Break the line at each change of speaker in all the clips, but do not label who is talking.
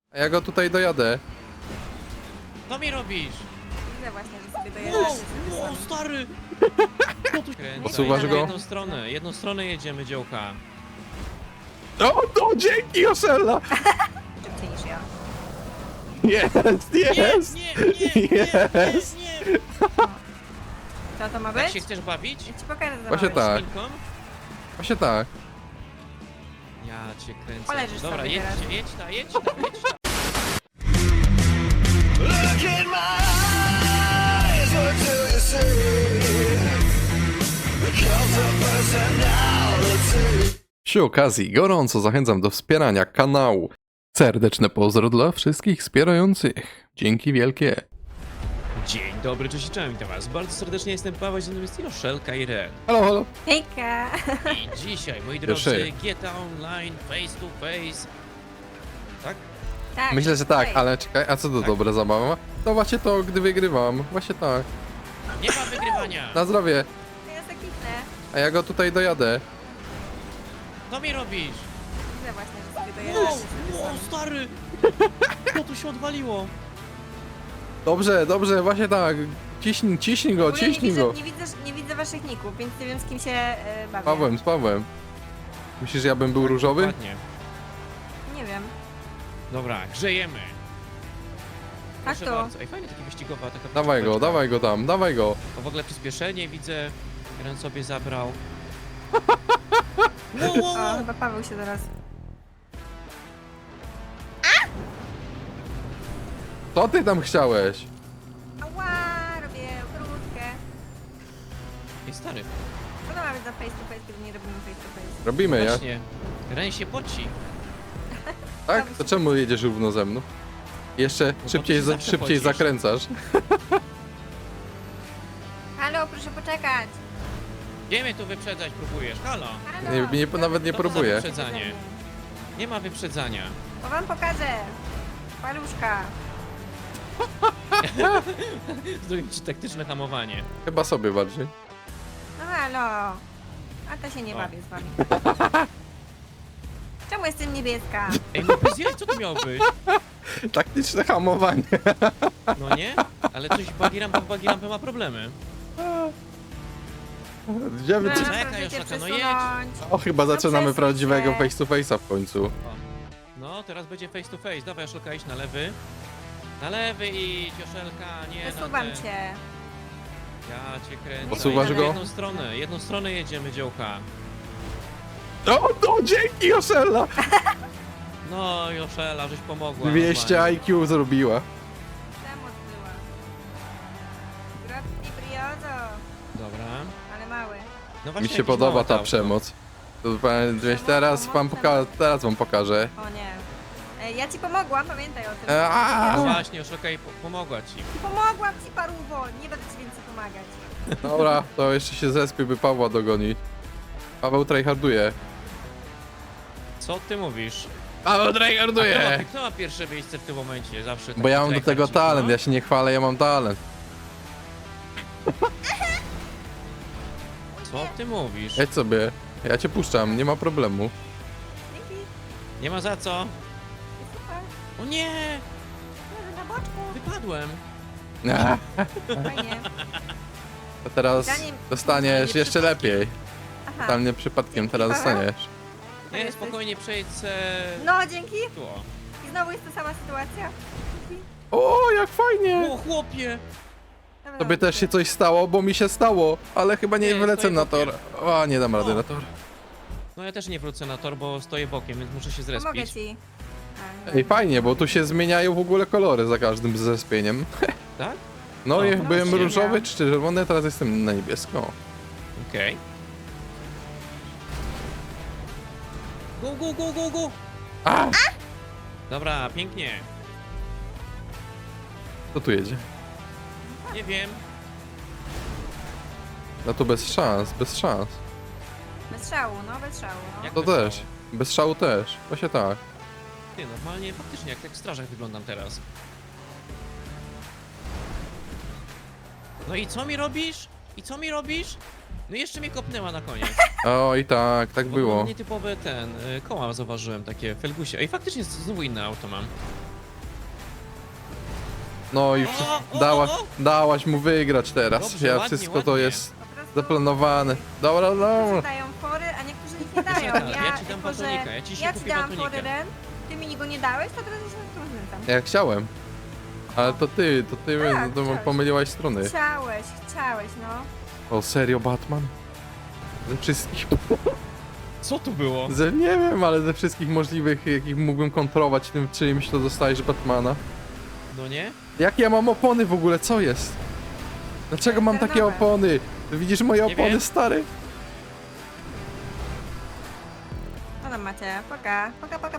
A ja go tutaj dojadę.
Co mi robisz?
Widzę właśnie, że sobie
Wow,
dojeżdżasz.
wow, stary! Co tu kręcę?
Posuwasz
Jedziemy
go?
jedną stronę jedziemy, dziołka.
O, dzięki, Joszella!
Szybciej niż ja.
Jest, jest! Jest!
nie!
Co to ma
Tak
być?
się chcesz bawić?
Ja ci pokażę za
Właśnie
małe.
tak.
Szpilką?
Właśnie tak.
Ja cię kręcę.
Poleżysz
Dobra,
sobie
jedźcie,
teraz.
jedź ta, jedź ta, jedź ta.
Look in my eyes, what do you see? The cult of personality.
Przy okazji gorąco zachęcam do wspierania kanału. Serdeczne pozdro dla wszystkich wspierających. Dzięki wielkie.
Dzień dobry, cześć i cześć, witam was. Bardzo serdecznie jestem Paweł, z nami jest Joszelka i Ren.
Halo, halo.
Hejka!
I dzisiaj, moi
Pierwszy.
drodzy, GTA Online, face to face. Tak?
Tak.
Myślę, że tak,
Hej.
ale czekaj, a co to
Tak?
dobra zabawa? To właśnie to, gdy wygrywam. Właśnie tak.
Nie ma wygrywania!
Na zdrowie.
To ja zakipnę.
A ja go tutaj dojadę.
Co mi robisz?
Widzę właśnie, że sobie
Wow,
dojeżdżasz.
wow, stary! Co tu się odwaliło?
Dobrze, dobrze, właśnie tak. Ciśnij go, ciśnij go.
Nie widzę waszych ników, więc nie wiem z kim się bawię.
Z Pawłem. Myślisz, że ja bym był różowy?
Ładnie.
Nie wiem.
Dobra, grzejemy.
Tak
Proszę
to.
bardzo. Ej, fajnie takie wyścigowa, taka
Dawaj go,
wyścigóweczka.
dawaj go tam, dawaj go.
O, w ogóle przyspieszenie widzę. Ren sobie zabrał. Wow, wow,
O,
wow.
chyba Paweł się zaraz...
Co ty tam chciałeś?
Ała, robię krótkę.
Ej, stary.
Co to ma być za face to face, kiedy nie robimy face to face?
Robimy, ja?
Właśnie. Ren się poci.
Tak? To czemu jedziesz równo ze mną? Jeszcze
bo
szybciej,
ty się zawsze
szybciej
pocisz.
zakręcasz.
Halo, proszę poczekać.
Gdzie mnie tu wyprzedzać próbujesz? Halo.
Halo.
Nawet nie
Co to za
próbuję.
wyprzedzanie? Nie ma wyprzedzania.
To wam pokażę. Paluszka.
Zrobię ci taktyczne hamowanie.
Chyba sobie bardziej.
No halo. A to się nie
O.
bawię z wami. Czemu jestem niebieska?
Ej, no bez jaj, co to miało być?
Taktyczne hamowanie.
No nie? Ale coś Bagirampa ma problemy.
Gdzie my...
No,
Czekaj,
proszę cię
Joszaka, no
przesunąć.
O, chyba zaczynamy
przesuń
prawdziwego
się.
face to face'a w końcu.
O. No, teraz będzie face to face. Dawaj, Joszelka, idź na lewy. Na lewy idź, Joszelka, nie na
Przesuwam
ten.
cię.
Ja cię kręcę.
Posuwasz
Jedziemy
go?
jedną stronę jedziemy, dziołka.
O, dzięki, Joszella!
No, Joszela, żeś pomogła.
200
normalnie.
IQ zrobiła.
Przemoc była. Grotki briozo.
Dobra.
Ale mały.
No właśnie
Mi się
jakieś
podoba
małe
ta
auto.
przemoc. To teraz wam pokażę.
O nie. Ja ci pomogłam, pamiętaj o tym.
No
Aaa!
właśnie, Joszelka pomogła ci.
Pomogłam ci, paruwo. Nie będę ci więcej pomagać.
Dobra, to jeszcze się zespię, by Pawła dogoni. Paweł tryharduje.
Co ty mówisz?
Paweł
A
tryharduje!
kto ma pierwsze miejsce w tym momencie? Zawsze
Bo
taki
ja mam do
tryhard,
tego
no?
talent, ja się nie chwalę, ja mam talent.
Co ty mówisz?
Jedź sobie, ja cię puszczam, nie ma problemu.
Dzięki.
Nie ma za co.
Super.
O nie!
Leży na boczku.
Wypadłem.
Fajnie.
To teraz
Zanim-
dostaniesz
nie
jeszcze
przypadkiem.
lepiej.
Aha.
Tam nie przypadkiem teraz
Paweł?
dostaniesz.
Nie,
jesteś-
spokojnie przejdź se...
No, dzięki.
Tu, o.
I znowu jest ta sama sytuacja. Dzięki.
O, jak fajnie!
O, chłopie!
Dobra,
Tobie też się coś stało, bo mi się stało, ale chyba nie
Nie,
wylecę
stoję
na tor. O, nie dam rady
O.
na tor.
No ja też nie wrócę na tor, bo stoję bokiem, więc muszę się
Pomogę
zrespić.
ci. A,
Ej, fajnie, bo tu się zmieniają w ogóle kolory za każdym zespieniem.
Tak?
No,
No,
jak byłem
właśnie.
różowy czy czerwony, teraz jestem na niebiesko.
Okej. Go, go, go, go, go!
A!
Dobra, pięknie.
Kto tu jedzie?
Nie wiem.
No to bez szans, bez szans.
Bez szału, no bez szału. No.
Jak
To
bez
też.
szału.
Bez szału też. Właśnie tak.
Ty, normalnie, faktycznie, jak tak w strażach wyglądam teraz. No i co mi robisz? I co mi robisz? No i jeszcze mnie kopnęła na koniec.
O, i tak, tak
Bo
było.
Nietypowe koła zauważyłem, takie felgusie. Ej, faktycznie znowu inne auto mam.
No i dałaś mu wygrać teraz.
Dobrze, ładnie,
Wszystko to
ładnie.
jest
Po prostu
zaplanowane. Dobra,
niektórzy
dobra.
dają fory, a niektórzy ich nie dają.
Joszelka, ja ci dam
jako, że
batonika, ja ci się
ja ci
kupię
dałam
batonika.
fory, Ren, ty mi go nie dałeś, to teraz ja się na tym znęcam.
Ja chciałem. Ale to ty
Tak,
to
chciałeś.
pomyliłaś strony.
Chciałeś, no.
O, serio, Batman? Ze wszystkich...
Co tu było?
Nie wiem, ale ze wszystkich możliwych, jakich mógłbym kontrolować tym czymś, to dostajesz Batmana.
No nie?
Jakie ja mam opony w ogóle? Co jest? Dlaczego mam takie
Terenowe.
opony? Widzisz moje
Nie
opony,
wiem.
stary?
Co tam macie? Poka.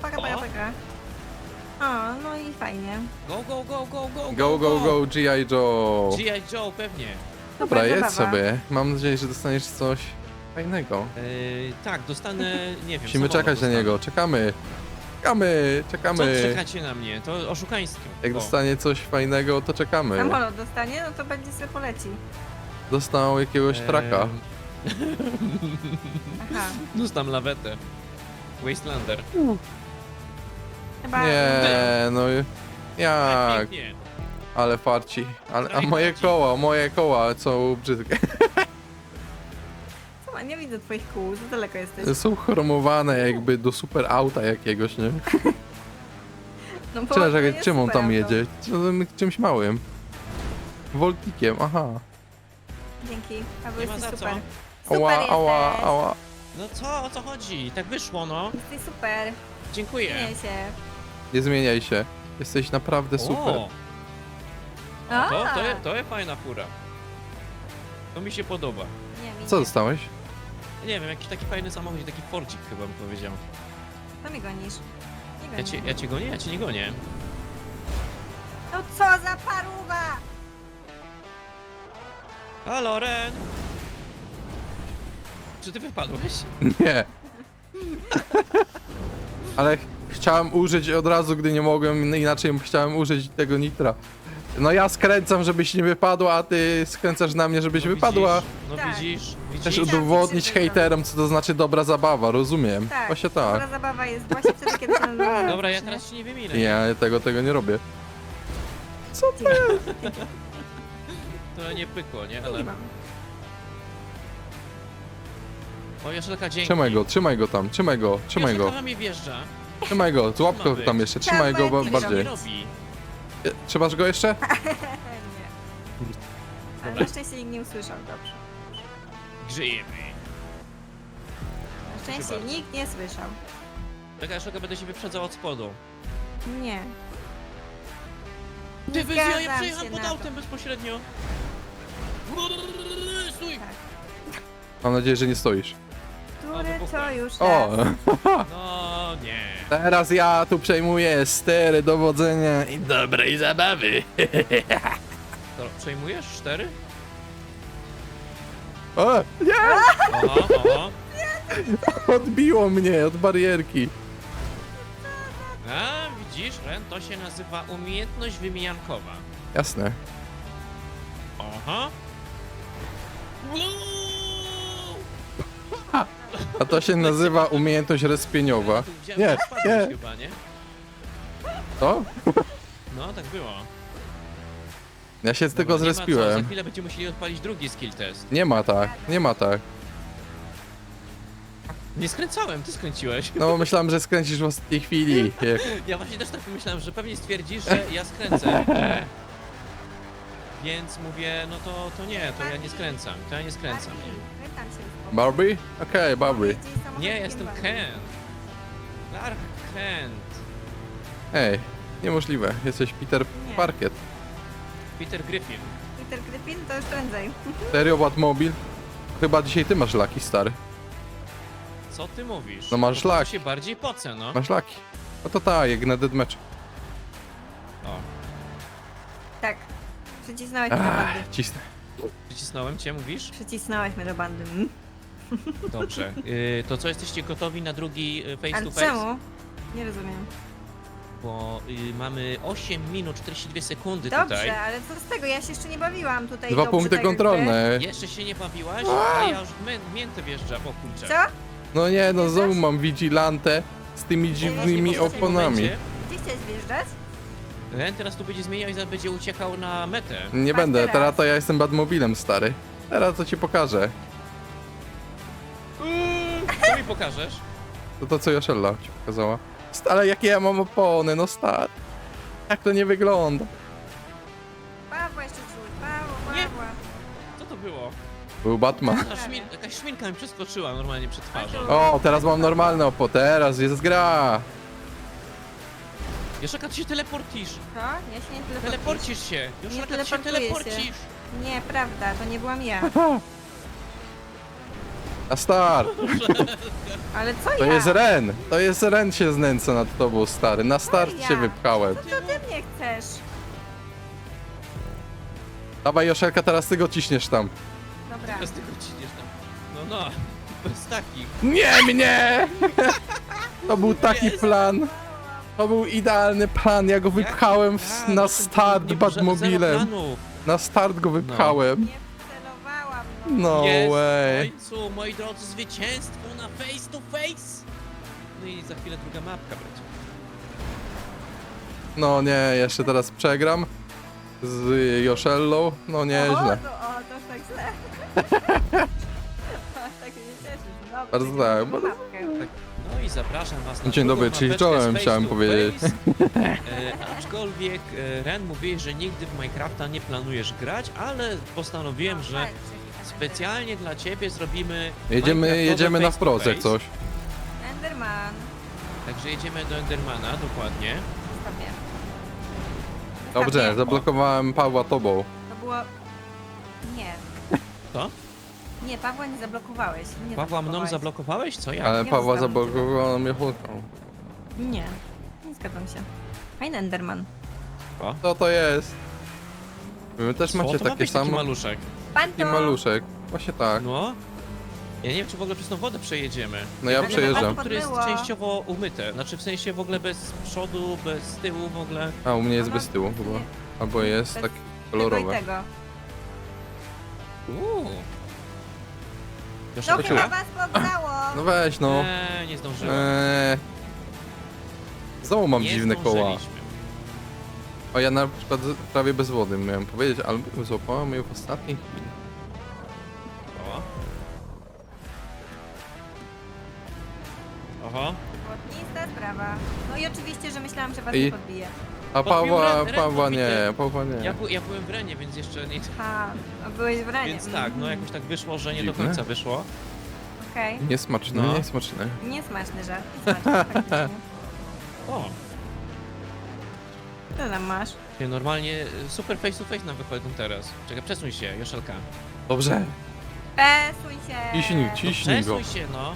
O, no i fajnie.
Go, go, go, go, go,
Go, go, go, G.I. Joe.
G.I. Joe, pewnie.
Dobra,
Super
jedz
zabawa.
sobie. Mam nadzieję, że dostaniesz coś fajnego.
Tak, dostanę, nie wiem,
Musimy
samolot
czekać na
dostanę.
niego. Czekamy.
Co
Czekamy.
czekacie na mnie? To oszukaństwo.
Jak
O.
dostanie coś fajnego, to czekamy.
Samolot dostanie, no to będzie sobie poleci.
Dostał jakiegoś traka.
Aha.
Dostam lawetę. Wastelander.
Chyba...
Nie, no jak?
Pięknie.
Ale farci. A
Traj
moje koła są brzydkie.
Co, nie widzę twoich kół, za daleko jesteś.
Są chromowane jakby do super auta jakiegoś, nie?
No, bo
Czekaj,
to jest
czym on
super
tam
auto.
jedzie? Czymś małym. Voltikiem, aha.
Dzięki, Paweł,
Nie ma
jesteś
za
super.
co.
Super jesteś.
Ała.
No co, o co chodzi? Tak wyszło, no.
Jesteś super.
Dziękuję.
Zmieniaj się.
Nie zmieniaj się. Jesteś naprawdę super.
O,
A,
to jest fajna fura. To mi się podoba.
Nie, mi
Co
nie.
dostałeś?
Nie wiem, jakiś taki fajny samochód, taki Fordzik chyba bym powiedział.
To mnie gonisz. Nie
Ja
gonię.
cię gonię? Ja cię nie gonię.
No co za paruwa!
Halo, Ren! Czy ty wypadłeś?
Nie. Ale chciałem użyć od razu, gdy nie mogłem, inaczej chciałem użyć tego nitra. No ja skręcam, żebyś nie wypadła, a ty skręcasz na mnie, żebyś
No
wypadła.
Widzisz, no
Tak.
widzisz.
Chcesz
Widzisz?
udowodnić
Tak,
hejterom, co to znaczy dobra zabawa, rozumiem.
Tak,
Właśnie
dobra
tak.
zabawa jest właśnie wtedy, kiedy się
Dobra, ja teraz ci nie wyminę.
Ja tego nie robię.
To nie pykło, nie?
Nie
Ale...
mam.
O, Joszelka, dzięki.
Trzymaj go tam, trzymaj go.
Joszelka na mnie wjeżdża.
Trzymaj go, złap go
być.
tam jeszcze, trzymaj go
Trzeba
bardziej.
Nie robi.
Trzymasz go jeszcze?
Nie. Ale na szczęście nikt nie usłyszał, dobrze.
Grzejemy.
Na szczęście
bardzo.
nikt nie słyszał.
Taka Joszelka, będę się wyprzedzał od spodu.
Nie.
Ty,
Nie
ja
zgadzam
przejechałem
się
pod
na
autem bezpośrednio. Stój!
Mam nadzieję, że nie stoisz.
Który to
wybuchłem.
już
O,
raz.
No nie.
teraz ja tu przejmuję stery dowodzenia i dobrej zabawy.
To przejmujesz 4?
O, nie!
Oho.
Odbiło mnie od barierki.
A, widzisz, Ren, to się nazywa umiejętność wymijankowa.
Jasne.
Aha.
A to się nazywa umiejętność respieniowa.
Widziałem,
Nie,
że spadłeś
nie.
chyba, nie?
To?
No, tak było.
Ja się z
Dobra,
tego
nie ma co,
zrespiłem.
za chwilę będziemy musieli odpalić drugi skill test.
Nie ma tak, nie ma tak.
Nie skręcałem, ty skręciłeś.
No bo myślałem, że skręcisz w ostatniej chwili.
Ja właśnie też tak pomyślałem, że pewnie stwierdzisz, że ja skręcę. Więc mówię, no to nie, to ja nie skręcam, to ja nie skręcam.
Barney, wytam się z boku.
Barbie? Okej, Barbie.
Jeździ samochodem
Nie, jestem
Barney.
Kent. Clark Kent.
Ej, niemożliwe. Jesteś Peter
Nie.
Parkiet.
Peter Griffin.
Peter Griffin to już prędzej.
Serio, Batmobil? Chyba dzisiaj ty masz laki, stary.
Co ty mówisz?
No masz
To
lak.
się bardziej pocę, no.
Masz laki. No to tak, jak na deadmatch.
O,
Tak. Przycisnąłeś mnie do bandy.
Cisnę.
przycisnąłem cię, mówisz?
Przycisnąłeś mnie do bandy.
Dobrze. To co, jesteście gotowi na drugi face
Ale
to face?
czemu? Nie rozumiem.
Bo mamy 8 minut 42 sekundy
Dobrze,
tutaj.
ale co z tego? Ja się jeszcze nie bawiłam tutaj.
2
dobrze,
punkty
tak jakby.
kontrolne.
Jeszcze się nie bawiłaś, a ja już miętę wjeżdżam, o kurczę.
Co?
No nie, no znowu mam vigilante z tymi dziwnymi
Właśnie, bo w tym
oponami.
momencie-
Gdzie chciałeś wjeżdżać?
Ren teraz tu będzie zmieniał i zaraz będzie uciekał na metę.
Nie
Patrz
będę,
teraz.
teraz to ja jestem Batmobilem, stary. Teraz to ci pokażę.
Co mi pokażesz?
To co Joszella ci pokazała. Ale jakie ja mam opony, no stary. Jak to nie wygląda?
Pawła jeszcze czuł.
Nie.
Pawła.
Co to było?
Był Batman.
Jakaś szminka mi przeskoczyła normalnie przed twarzą.
O, teraz mam normalne opo, teraz jest gra.
Joszelka, ty się teleportisz!
Co? Ja się nie teleportuję.
Teleporcisz się! Joszelka, ty się
teleportuję się.
teleporcisz!
Nie, prawda, to nie byłam ja.
A start.
Ale co
To
ja?
jest Ren. To jest Ren się znęca nad tobą, stary. Na start
ja?
się wypchałem.
Co to ty mnie chcesz?
Dawaj Joszelka, teraz ty go ciśniesz tam.
Dobra.
Bez tego ciśniesz tam. No, bez takich.
Nie mnie! To był taki
Jest.
plan. To był idealny plan. Ja go wypchałem
A,
na
no to
start
nie było zero
Batmobilem.
planu.
Na start go wypchałem.
Nie celowałam, no.
No
Jest w
way.
końcu, moi drodzy, zwycięstwo na face to face! No i za chwilę druga mapka będzie.
No nie, jeszcze teraz przegram z Joszellą. No
O,
nieźle.
to już tak źle. Aż tak się nie cieszysz. Dobra,
Bardzo
czekaj,
tak,
drugą mapkę.
No i zapraszam was na
Dzień
drugą
dobry, czyli
mapeczkę
czołem,
z face
chciałem
to
powiedzieć.
face. Aczkolwiek Ren mówi, że nigdy w Minecrafta nie planujesz grać, ale postanowiłem, że
Walcz,
specjalnie dla ciebie zrobimy
Jedziemy na
face to
wprost jak
face.
coś.
Enderman.
Także jedziemy do Endermana, dokładnie.
Zostawię.
Dobrze,
Zostawię.
zablokowałem Pawła tobą.
To było... Nie.
Co?
Nie, Pawła nie zablokowałeś. Nie
Pawła mną
zablokowałeś.
zablokowałeś? Co ja?
Ale
nie
Pawła
zostawiam cię.
zablokował mnie chłopką.
Nie. Nie zgadzam się. Fajny Enderman.
Co to jest? Wy też
Co
macie
to ma
takie
być taki
same?
maluszek?
Panto!
Taki maluszek. Właśnie tak.
No. Ja nie wiem, czy w ogóle przez tą wodę przejedziemy.
No ja
Ale
przejeżdżam.
was
Który jest
podmyło.
częściowo umyte. Znaczy w sensie w ogóle bez przodu, bez tyłu w ogóle.
A u mnie jest
Ono-
bez tyłu chyba.
nie.
Albo jest
Bez
tak
Tego i
kolorowe.
tego.
Uuu.
No
Joszelka?
chyba was poddało!
No weź no.
Nie zdążyłem.
Znowu mam
Nie
dziwne koła.
zdążyliśmy.
O, ja na przykład prawie bez wody miałem powiedzieć, ale złapałem ją w ostatniej chwili.
O. Oho.
Błotnista sprawa. No i oczywiście, że myślałam, że was
I-
nie podbije.
A
Podbił Ren
Pawła
podbity.
nie, Pawła nie.
Ja byłem w Renie, więc jeszcze nie...
Ha, a byłeś w ranie.
Więc tak, no jakoś tak wyszło, że nie do
Dziwne.
końca wyszło.
Okej.
Niesmaczne,
No.
niesmaczne.
Niesmaczny żart. Niesmaczny, faktycznie.
O.
Co tam masz?
Ty, normalnie super face to face nam wychodzą teraz. Czekaj, przesuń się, Joszelka.
Dobrze.
Pesuj się!
Ciśnij go.
Przesuń się, no.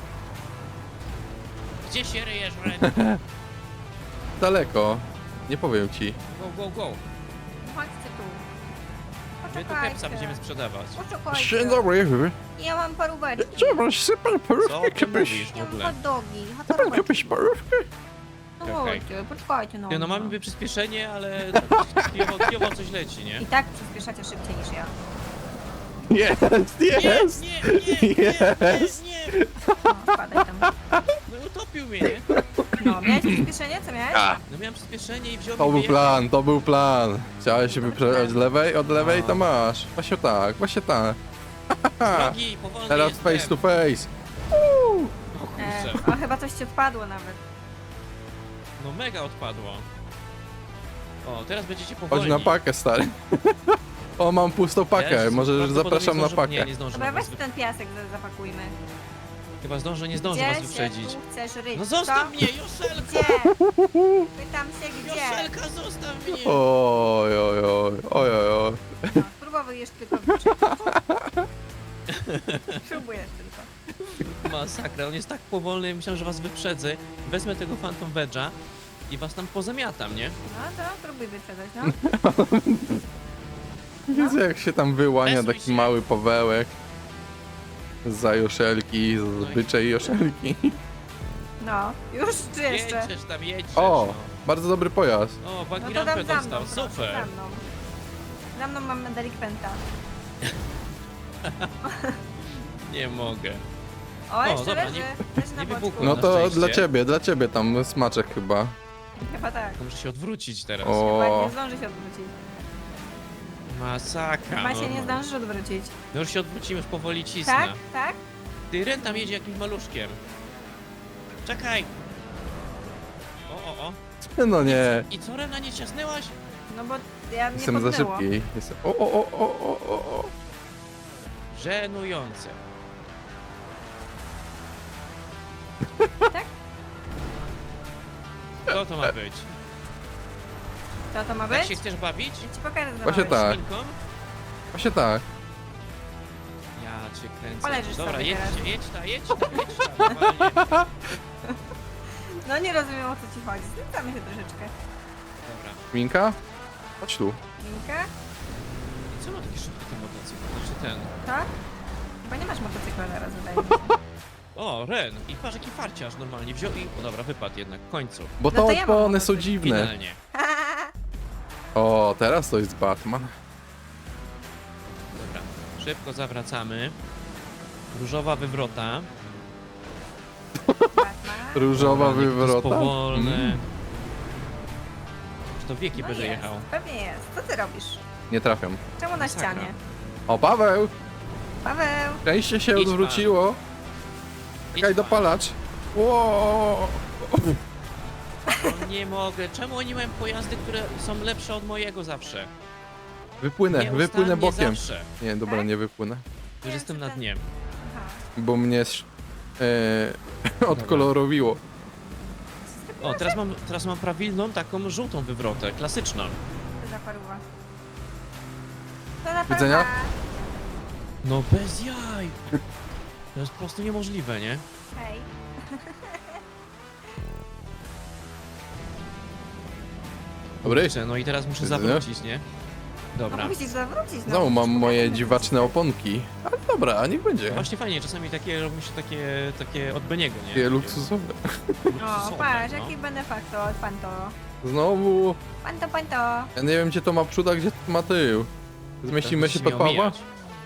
Gdzie się ryjesz, Ren?
Daleko. Nie powiem ci.
Go, go, go.
Chodźcie tu.
My tu kepsa będziemy sprzedawać.
Poczekajcie.
Dzień dobry.
Ja mam paróweczki.
Trzeba super
Co
parówkę
ty
kiedyś.
mówisz w
Ja mam
ogóle?
hot dogi.
Super kiedyś parówkę.
No
Okej.
chodźcie, poczekajcie no.
Ty, no mamy niby przyspieszenie, ale kijowo coś leci, nie?
I tak przyspieszacie szybciej niż ja.
Jest, jest.
Nie, nie, nie,
Jest.
nie, nie.
No, spadaj tam.
No utopił mnie, nie?
No, miałeś przyspieszenie? Co miałeś?
A,
No miałem przyspieszenie i wziął
to
mnie
był
wyjechał.
plan, to był plan. Chciałeś się wyprzedzać z lewej, od lewej
No.
to masz. Właśnie tak, właśnie tak.
Drogi, powolny
Teraz
jestem.
face to face.
O kurczę,
O, chyba coś ci odpadło nawet.
no mega odpadło. O, teraz będziecie
Chodź
powolni.
na pakę, stary. O, mam pustą pakę,
Jezus,
może
prawdopodobnie
zapraszam na
zdążę-
pakę.
Nie, nie zdążę
Dobra,
na
weź
was.
ten piasek zapakujmy.
Chyba zdążę, nie zdążę was wyprzedzić.
Się tu chcesz ryć?
No zostaw
co?
mnie, Joszelka!
Gdzie? Pytam się gdzie.
Joszelka, zostaw mnie!
Oj, oj, oj, oj, oj, oj.
No, spróbuj tylko wyprzedzić. Próbujesz tylko.
Masakra, on jest tak powolny, myślałem, że was wyprzedzę. Wezmę tego Phantom Wedge'a i was tam pozamiatam, nie?
No to próbuj wyprzedzać, no.
Widzę jak się tam wyłania
Przesuń
taki
się.
mały Pawełek. Za Joszelki, z byczej Joszelki.
No, już czy jeszcze?
Jedziesz tam, jedziesz.
O,
no.
bardzo dobry pojazd.
O,
No
bagi
to
rampę
dam za mną,
dostał,
proszę,
super.
za mną. Za mną mamy delikwenta.
Nie mogę.
O, jeszcze
dobra,
leży.
nie-
Leży na
nie
boczku.
wybuchło.
No
Na
to
szczęście.
dla ciebie tam smaczek chyba.
Chyba tak.
Tylko muszę się odwrócić teraz.
Chyba
O,
nie zdąży się odwrócić.
Masakra.
Chyba się
no.
nie zdążysz odwrócić.
No już się odwrócimy, już powoli cisnę.
Tak? Tak?
Ty, Ren tam jedzie jakimś maluszkiem. Czekaj. O.
no nie.
I co, Rena, nie ciasnęłaś?
No bo ja nie
Jestem za
podmyło.
szybki. Jestem... O.
Żenujące.
Tak?
Co to ma być?
Co to ma
Tak
być?
się chcesz bawić?
Ja ci pokażę za
Właśnie
małeś.
tak.
Szminką?
Właśnie tak.
Ja cię kręcę.
Poleżysz
Dobra,
sobie
jedź ta, normalnie.
No nie rozumiem, o co ci chodzi. Znęcamy się troszeczkę.
Dobra.
Minka? Chodź tu.
Minka?
I co ma taki szybki ten motocykl? Znaczy ten.
Tak? Chyba nie masz motocykla teraz, wydaje mi się.
O, Ren. I patrz, jaki farciarz normalnie wziął i... O dobra, wypadł jednak, w końcu.
Bo
No
to
to ja mam
opony są
motocykl.
dziwne.
Finalnie.
O, teraz to jest Batman.
Dobra, szybko zawracamy. Różowa wywrota.
Batman.
Różowa
Dobra, niech to jest
wywrota.
powolne.
Mm.
Czy to wieki
No
będzie
jest,
jechał?
pewnie jest. Co ty robisz?
Nie trafiam.
Czemu na
Masakra.
ścianie?
O, Paweł!
Paweł!
Szczęście się
Idź
odwróciło. Czekaj,
Idź pan.
dopalacz. Ło!
No nie mogę. Czemu oni mają pojazdy, które są lepsze od mojego zawsze?
Wypłynę
Nieustannie
bokiem.
Zawsze.
Nie, dobra,
Tak?
nie wypłynę.
Już jestem na dnie.
Aha.
Bo mnie odkolorowiło.
O, teraz mam prawilną taką żółtą wywrotę, klasyczną.
Co za paruwa? Co za paruwa?
Widzenia?
No bez jaj! To jest po prostu niemożliwe, nie?
Hej.
Dobry.
Kurczę, no i teraz muszę
Widzenia?
zawrócić, nie?
No
Dobra.
musisz zawrócić. No,
Znowu mam
musisz
moje
pokazać,
dziwaczne oponki. Ale dobra, niech będzie.
Właśnie fajnie, czasami takie robi się takie od Beniego, nie?
Takie luksusowe.
O,
luksusowe,
patrz,
no.
jaki benefaktor, panto.
Znowu.
Panto.
Ja nie wiem, gdzie to ma przód, a gdzie to ma tył. Zmieścimy się pod Pawła?
omijać.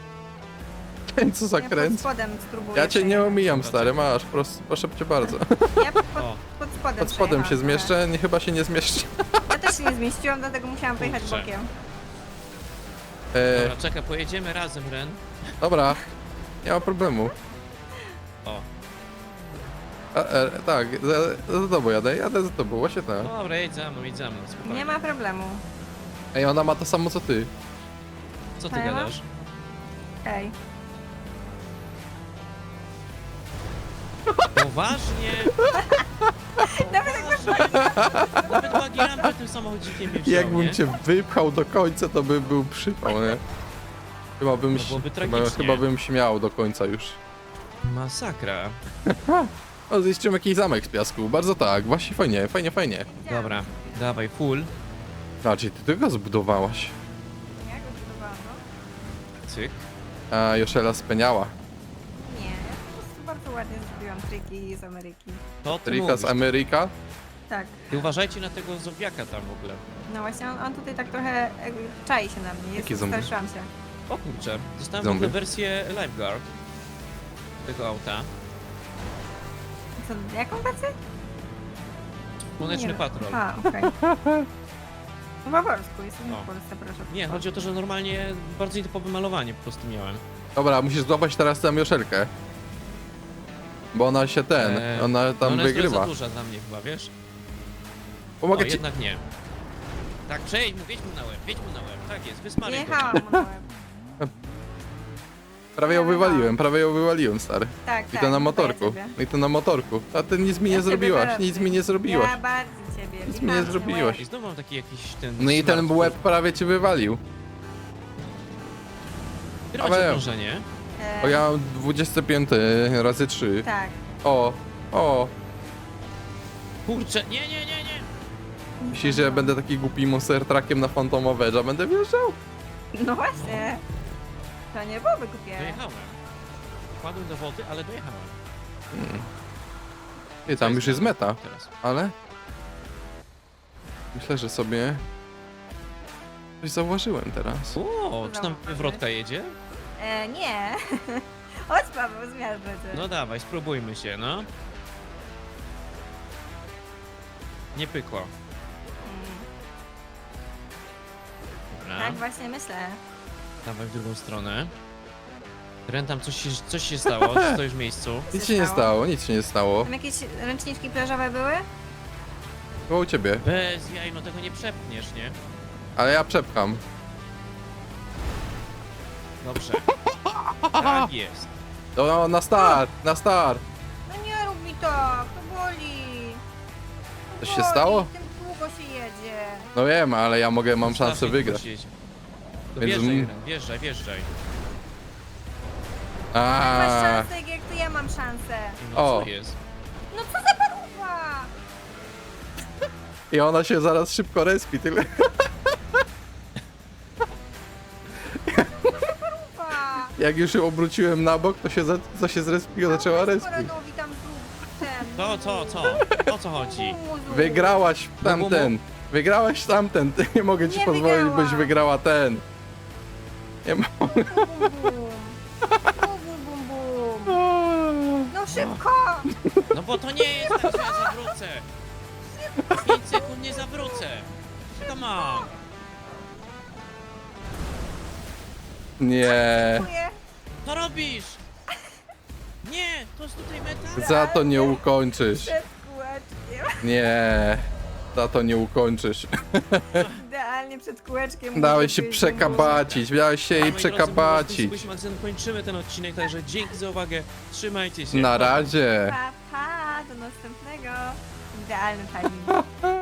Co za
Ja pod
kręc.
spodem spróbuję.
Ja cię nie
przejechać.
omijam, stary, masz, proszę cię bardzo.
Ja pod
O.
spodem
Pod spodem się
przejechałam
zmieszczę, nie, chyba się nie zmieszczę.
trochę. Ja też się nie zmieściłam, dlatego musiałam pojechać
Kurczę.
bokiem.
Dobra, czekaj, pojedziemy razem, Ren.
Dobra, nie ma problemu.
O,
Tak, za tobą jadę za tobą, właśnie tak.
dobra, jedź za mną, spokojnie.
Nie ma problemu.
Ej, ona ma to samo co ty.
Co ty
Co ja mam?
gadasz?
Hej.
Poważnie? Nawet bagi rampy tym samochodzikiem nie wziął,
Jakbym
nie?
cię wypchał do końca, to by był przypał, nie? Chyba bym,
No byłoby
chyba,
tragicznie.
chyba bym śmiał do końca już.
Masakra.
O, zniszczyłem jakiś zamek z piasku, bardzo tak, właśnie fajnie.
Dobra, dawaj, full.
Znaczy, ty tego zbudowałaś.
Ja go budowałam, no.
Cyk.
A Joszela speniała.
Nie, ja po prostu bardzo ładnie zrobiłam triki z Ameryki.
To ty
Rika
mówisz.
z Ameryka.
Tak.
Ty uważajcie na tego zombiaka tam w ogóle.
No właśnie, on tutaj tak trochę czai się na mnie.
Jaki
Jest,
zombie?
straszyłam się.
O kurczę, dostałem w
Zombie.
ogóle wersję Lifeguard tego auta.
Co, jaką wersję?
Słoneczny
Nie.
Patrol.
A, okej. No po polsku, jestem
O.
w Polsce, proszę.
Nie, chodzi o to, że normalnie bardzo nietypowe malowanie po prostu miałem.
Dobra, musisz złapać teraz tę Joszelkę. Bo ona się ona
no
tam
ona jest
wygrywa.
trochę za duża dla mnie chyba, wiesz? O,
Pomogę ci.
jednak nie. Tak, przejdź mu, wiedź mu na łeb, Tak jest, wysmaruj go.
Jechałam mu na łeb.
Prawie ją wywaliłem, stary.
Tak,
I
tak.
to na
chyba
motorku.
ja ciebie.
I to na motorku. A ty nic mi nie
Ja ciebie
zrobiłaś,
biorę.
nic mi nie zrobiłaś.
Ja bardzo ciebie.
Nic mi nie
wjechałam ci
zrobiłaś.
łeb.
I znowu mam taki jakiś ten...
No i ten
smart
łeb prawie cię wywalił.
Które macie
Paweł.
okrążenie?
O, ja mam 25 razy 3.
Tak.
O.
Kurczę, nie.
Myślisz, że ja będę taki głupi monster truckiem na Phantom Edge'a będę wjeżdżał?
No właśnie. To nie byłoby głupie.
Dojechałem. Wpadłem do wody, ale dojechałem.
Nie, tam już jest meta,
Teraz.
ale... Myślę, że sobie... Coś zauważyłem teraz.
O, czy tam
Dobra,
wywrotka jedzie?
Nie. Chodź Paweł, zmiarzmy cię.
No dawaj, spróbujmy się, no. Nie pykło.
Tak, właśnie myślę.
Dawaj w drugą stronę. Ren, tam coś się stało, stoisz w miejscu.
Nic się nie stało, nic się nie stało.
Tam jakieś ręczniczki plażowe były?
Było u ciebie.
Bez jaj, no tego nie przepniesz, nie?
Ale ja przepcham.
Dobrze. Tak jest.
No, na start, na start.
No nie rób mi tak, to boli. To
Coś się
boli,
stało?
Tym długo się jedzie.
No wiem, ale ja mam szansę
Strasznie
wygrać.
długo siedzieć. To
Więc
wjeżdżaj,
m-
Ren, wjeżdżaj, wjeżdżaj.
Masz
A,
szansę, jak to ja mam szansę.
No
O.
co jest?
No co za paruwa!
i ona się zaraz szybko respi, tyle.
Paruwa!
Jak już ją obróciłem na bok, to się zrespiło, zaczęła respić.
Korenowi tam zrób ten.
Co? O co chodzi?
Muzu.
Wygrałaś tamten. Wygrałaś tamten. Nie mogę ci
Nie
pozwolić,
wygrałam.
byś wygrała ten. Nie ma...
Bum, bum, bum. Bum, bum, bum, bum. No szybko!
No bo to nie jest tak, że ja zawrócę. 5 sekund nie zawrócę. Come on.
Nie.
Dziękuję.
Co robisz? Nie, to jest tutaj meta.
Za to nie ukończysz.
Przed kółeczkiem.
Nie. Za to nie ukończysz.
Idealnie przed kółeczkiem.
Dałeś
muszę
się
być,
przekabacić, miałeś się jej
Moi drodzy,
przekabacić.
my kończymy ten odcinek, także dzięki za uwagę. Trzymajcie się.
Na razie.
Pa, pa, do następnego. Idealny timing.